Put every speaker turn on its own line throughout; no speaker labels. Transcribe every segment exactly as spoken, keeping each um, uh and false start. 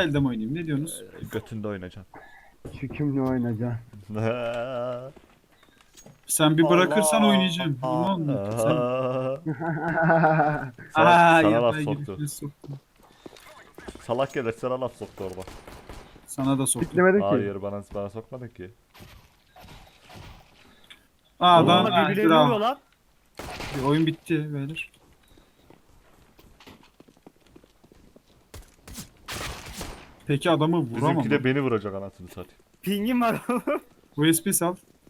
elde mi oynayayım? Ne diyorsunuz?
Götünde oynayacaksın.
Şu kimle oynayacaksın?
Sen bir bırakırsan
Allah.
oynayacağım. Aman sen.
Sana,
Aa
sana
ya
laf
ben
soktu.
girişine soktum.
Salak gelir sana laf soktu orada.
Sana da soktum.
Bitlemedi ki.
Hayır bana bana sokmadın ki.
Aa
Oğlum,
adam
Onlar
ha,
birbirlerini
dur,
vuruyor lan.
bir oyun bitti beyler. Peki adamı vuramam.
Bizimki de beni vuracak anasını satayım.
Pingim var oğlum.
U S B sal.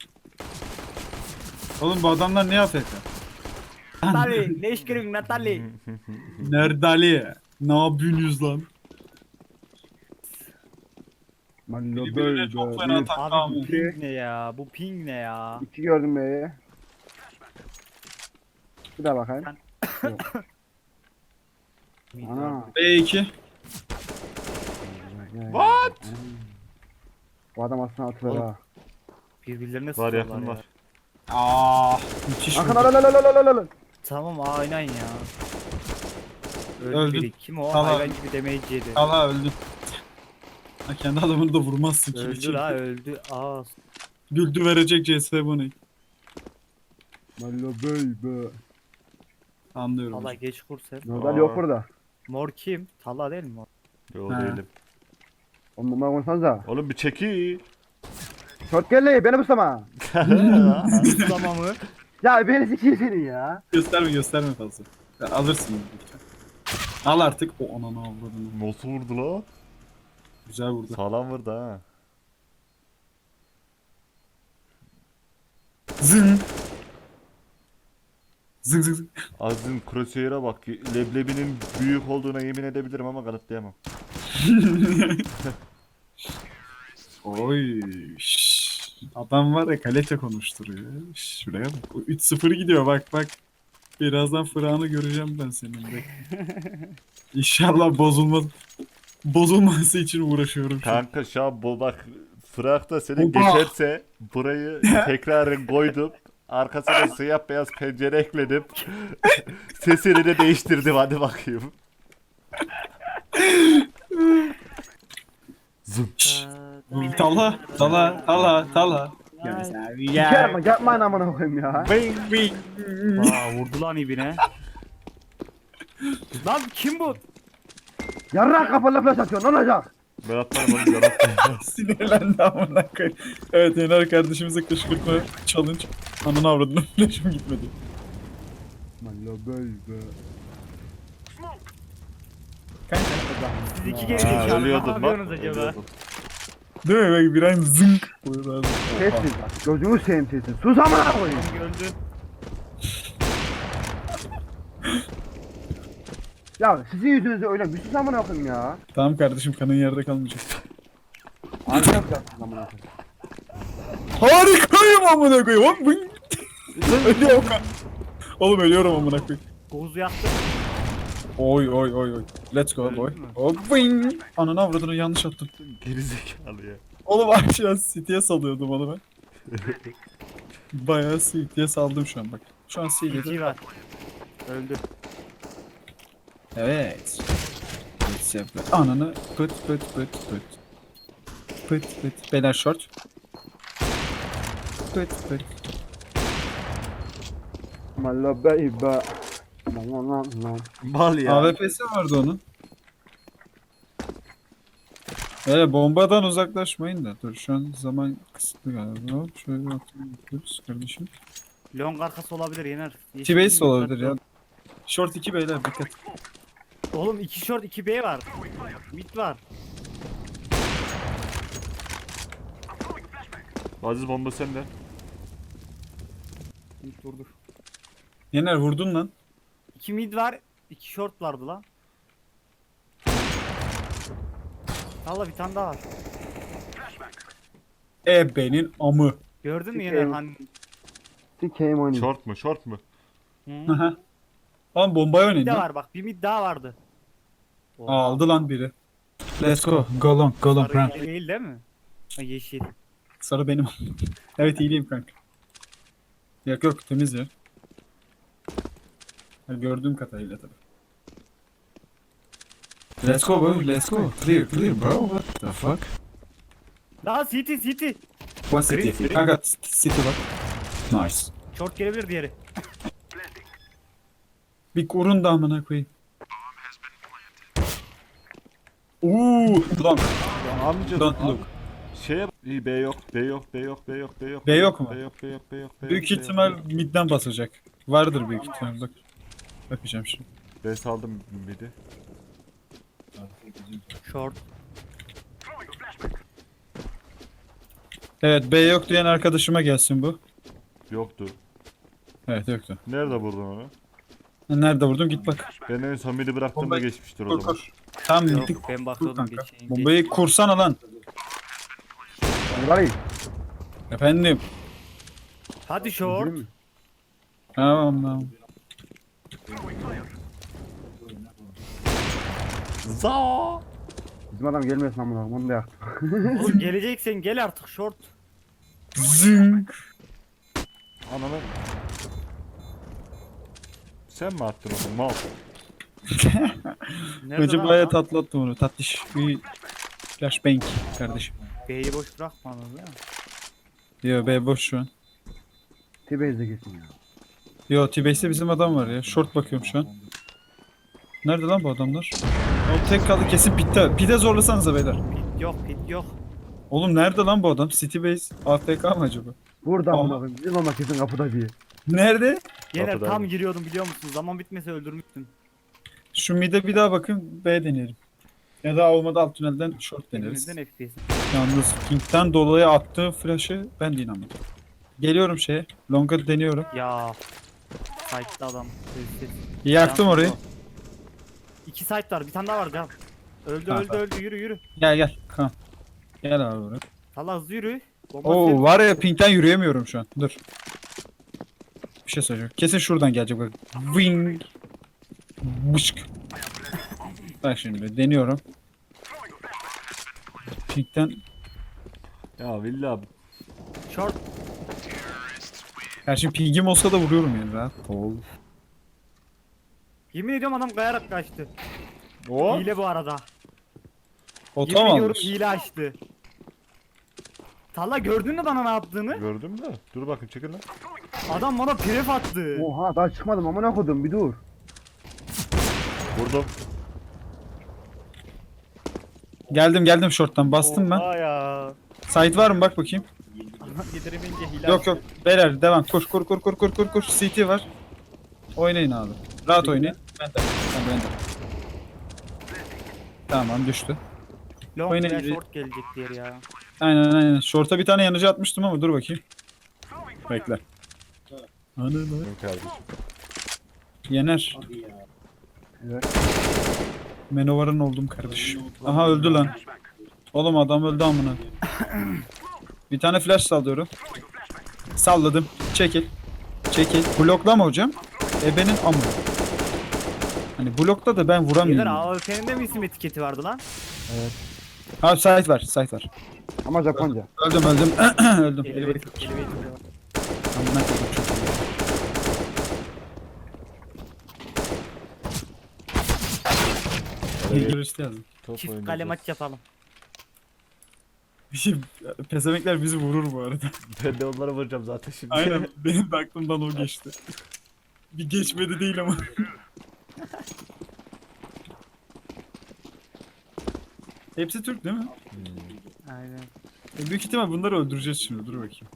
Oğlum bu adamlar ne afk?
Natali. Ne iş görüyorsun Natali?
Nerede Ali? Ne yapıyorsunuz lan?
Mallo
Birbirine
böyle
çok fena
bir.
tak-
Abi
Tamam.
bu ping ne ya? Bu ping ne ya?
İki gördüm be. Bir daha bakayım. Yok. Ana.
B iki.
What?
Bu adam aslında atılır
Oğlum.
ha.
Birbirlerine
Var
sıkıyorlar
yakın
ya.
var.
Aa, müthiş
Hakan
vurdu.
al al al al al al.
Tamam aynen ya. Öldü
Öldü.
biri. Kim o?
Tamam.
Hayvan gibi damage yedi.
Allah öldü. Ha, kendi adamını da vurmazsın ki.
Öldü la öldü. Aa.
Güldü verecek C S bunu.
Mallo böyle.
Anlıyorum.
Allah
hocam.
geç kur sen.
Nodal
Aa.
yok burada.
Mor kim? Talla değil mi mor?
Yo
Ha.
değilim.
Oğlum bundan konuşsanıza.
Oğlum bir çeki.
Short geldi beni buslama.
Muslama mı?
Ya beni sikeyim senin ya.
Gösterme gösterme fazla. Ya, alırsın. lütfen. Al artık. O ananı avradını.
Nasıl vurdu la?
Güzel vurdu.
Sağlam vurdu ha.
Zın. Zın zın zın.
Aziz'in crosshair'a bak. Leblebinin büyük olduğuna yemin edebilirim ama kanıtlayamam.
Oy. şş. Adam var ya kalite konuşturuyor. Şş, Şuraya bak. O üç sıfır gidiyor bak bak. Birazdan Fırat'ı göreceğim ben senin de. İnşallah bozulmaz. Bozulması için uğraşıyorum şu an.
Kanka şu an bu bak Fırak'ta senin
Oba!
geçerse burayı tekrar koydum. Arkasına siyah beyaz pencere ekledim. Sesini de değiştirdim hadi bakayım. Zım.
Tala, tala, tala, tala.
Sikerim yapmayın amına koyayım ya.
Bing bing.
Aa vurdu lan ibine. Lan kim bu?
Yarrak kapalı flash atıyor ne olacak?
Ben atlarım oğlum ben atlarım.
Sinirlendi amına koyayım. Evet Yener kardeşimize kışkırtma challenge. Ananı avradını flash'ım gitmedi.
Mallo böyle.
Siz iki
Ha,
geri ne
ölüyordun bak.
yapıyorsunuz acaba?
ölüyordun.
Değil mi? Bak bir an zınk. Buyur abi.
Sessiz bak. Gözünü seveyim sessiz. Sus amına koyayım.
Öldü.
Ya sizin yüzünüzde öyle bir sus amına koyayım ya.
Tamam kardeşim kanın yerde kalmayacak.
Harika yapacaksın amına koyayım.
Harikayım amına koyayım. Hop bing. Ölüyorum. Oğlum ölüyorum amına koyayım.
Gozu yaktı.
Oy oy oy oy. Let's go boy.
Öldün mü?
Hop bing. Ananı avradını yanlış attım.
Gerizekalı ya.
Oğlum aşağı City'ye salıyordum onu ben. Bayağı City'ye saldım şu an bak. Şu an City'de.
İki var. Öldü.
Evet. Let's yapalım. Ananı pıt pıt pıt pıt. Pıt pıt. Beyler short. Pıt pıt.
Mallo böyle. Lan lan lan.
Mal ya.
A W P'si vardı onun. Öyle bombadan uzaklaşmayın da. Dur şu an zaman kısıtlı galiba. Hop şöyle atıyoruz kardeşim.
Long arkası olabilir Yener.
T-base de olabilir ya. Short iki beyler dikkat.
Oğlum iki short iki B var. Mid var.
Aziz bomba sende.
Mid vurdu.
Yener vurdun lan.
İki mid var. İki short vardı lan. Allah bir tane daha var.
Ebe'nin amı.
Gördün mü
Sikeyim.
Yener hani?
Sikeyim oyunu.
Short mu short mu?
Hı?
Aha. Lan bombaya
Bir
oynayın
de
lan.
var bak bir mid daha vardı. Oha.
Aldı lan biri. Let's go. Go long, go long.
Sarı
Run.
değil değil mi? Ha, yeşil.
Sarı benim. Evet iyiyim kanka. Yok yok temiz ya. Ha, gördüğüm kadarıyla tabii. Let's go bro, let's go. Clear, clear bro. What the fuck?
Daha city city.
One city. Kanka city bak. Nice.
Short gelebilir diğeri.
Bir kurun da amına koyayım. Uuu. Long.
Ya amca
Don't look.
Şey iyi B yok, B yok, B yok, B yok, B yok.
B yok mu?
B yok, B yok, B yok, B yok.
Büyük
B yok,
ihtimal
B yok.
midden basacak. Vardır büyük ihtimal bak. Bakacağım şimdi.
B saldım midi.
Short.
Evet B yok diyen arkadaşıma gelsin bu.
Yoktu.
Evet yoktu.
Nerede vurdun onu?
Nerede vurdum git bak.
Ben en son midi bıraktığımda
Bombayı-
geçmiştir o
Kur
zaman.
kur. Tam
Yok
midi
ben
kur
bakıyordum
kanka.
geçeyim.
Bombayı kursana lan.
Burayı.
Efendim.
Hadi short.
Değil mi?
Tamam tamam.
Za.
Bizim adam gelmesin amına koyayım, onu da yaktık.
Oğlum geleceksen gel artık short.
Zing.
Ananı. Sen mi attın onu? Mal.
Nerede
Hacı
lan
bayağı
adam?
tatlı attı onu. Tatlış bir flashbang kardeşim.
B'yi boş bırakmadın değil mi?
Yo B boş şu an.
T-Base'de kesin ya.
Yo T-Base'de bizim adam var ya. Short bakıyorum şu an. Nerede lan bu adamlar? O tek kaldı kesin pitte. Pide zorlasanıza beyler.
Pit yok pit yok.
Oğlum nerede lan bu adam? City Base A F K mı acaba?
Burada
Ama-
amına koyayım. Bizim ama kesin kapıda diye.
Nerede?
Yener
Kapıda.
tam giriyordum biliyor musun? Zaman bitmese öldürmüştün.
Şu mid'e bir daha bakın B deneyelim. Ya da olmadı alt tünelden short deneriz.
Elimizden F P S.
Yalnız King'den dolayı attığı flash'ı ben de inanmadım. Geliyorum şeye. Long'a deniyorum.
Ya. Site'da adam. Sessiz.
Yaktım
Yansın
orayı.
o. İki site var. Bir tane daha var can. Öldü
Ha,
öldü
tamam.
öldü yürü yürü.
Gel gel. Tamam. Gel abi buraya.
Salla hızlı yürü. Bomba
Oo
sev-
var ya pinkten yürüyemiyorum şu an. Dur. Bir şey söyleyeceğim. Kesin şuradan gelecek bak. Wing. Bışk. Bak şimdi deniyorum. Pinkten
Ya Villa
Short.
her şey pingim olsa da vuruyorum yani rahat ol.
Yemin ediyorum adam kayarak kaçtı.
o
Hile bu arada.
Oto
Yemin
mu
ediyorum
almış?
hile açtı. Talla gördün mü bana ne yaptığını?
gördüm de. Dur bakın çekil lan.
Adam bana pref attı.
Oha daha çıkmadım amına koydum bir dur.
Vurdum.
Geldim geldim short'tan bastım ben.
Oha ya.
Site var mı bak bakayım.
Yediremeyince hile
Yok
açtı.
yok. Beyler devam. Kur kur kur kur kur kur kur. C T var. Oynayın abi. Rahat oynayın. Ben de. Ben de. Ben de. Tamam düştü.
Long
Oyna
veya
gibi.
short gelecek diğer ya.
Aynen aynen. Short'a bir tane yanıcı atmıştım ama dur bakayım. Bekle. Anı
Benim kardeşim.
Yener.
Evet.
Menovar'ın oldum kardeşim. Aha öldü lan. Oğlum adam öldü amına. Bir tane flash sallıyorum. Salladım. Çekil. Çekil. Bloklama hocam. Ebenin amı. Hani blokta da ben
Yener
vuramıyorum.
A W P'nin de mi isim etiketi vardı lan?
Abi site var. Site var.
Ama Japonca.
Öldüm öldüm. öldüm.
Elevator,
Elevator.
elevator var.
Amına koydum çok iyi. İyi görüştü yazdım.
Top
Çift
oynayacağız.
kale maç yapalım.
Bir şey, pesemekler bizi vurur bu arada.
Ben de onlara vuracağım zaten şimdi.
Aynen benim de aklımdan o geçti. Bir geçmedi değil ama. Hepsi Türk değil mi?
Aynen.
E, büyük ihtimal bunları öldüreceğiz şimdi. Dur bakayım.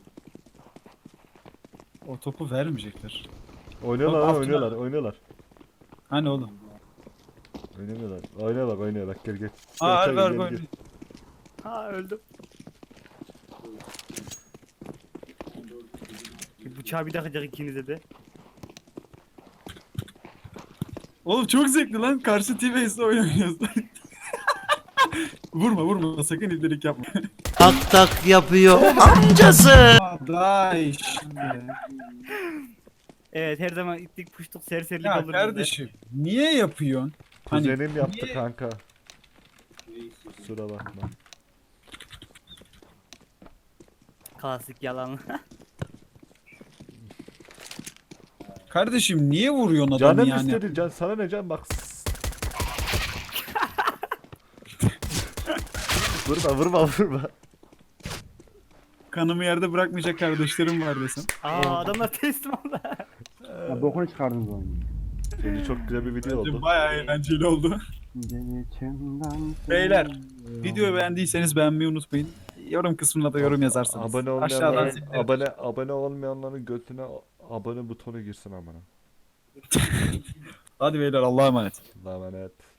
O topu vermeyecekler.
Oynuyorlar
Bak,
lan
altına-
oynuyorlar oynuyorlar.
Hani oğlum?
Oynamıyorlar. Oynuyorlar oynuyorlar gel gel.
Aa
Gel,
harbi
gel,
harbi
gel,
harbi.
Ha öldüm. Bir Bıçağı bir takacak ikinize de.
Oğlum çok zevkli lan. Karşı T-Base'de oynuyoruz. Vurma vurma sakın ibdelik yapma.
Tak tak yapıyor amcası.
Day
Evet her zaman ittik puştuk serserilik
Ya
olur bizde.
kardeşim niye yapıyorsun? Hani
Kuzenim yaptı
niye-
kanka. Kusura bakma.
Klasik yalan.
Kardeşim niye vuruyorsun adamı
Canım
yani?
istedi can sana ne can bak. Vurma vurma vurma.
Kanımı yerde bırakmayacak kardeşlerim var desem.
Aa adamlar teslim oldu.
Ya bokunu çıkardınız oyunu.
Bence çok güzel bir video
Bence
oldu.
bayağı eğlenceli oldu.
Geçimden
Beyler,
seni-
Videoyu beğendiyseniz beğenmeyi unutmayın. Yorum kısmına da yorum yazarsanız.
Abone
Aşağıdan
olmayanların,
zilleri-
abone abone olmayanların götüne abone butonu girsin amına.
Hadi beyler Allah'a emanet.
Allah'a emanet.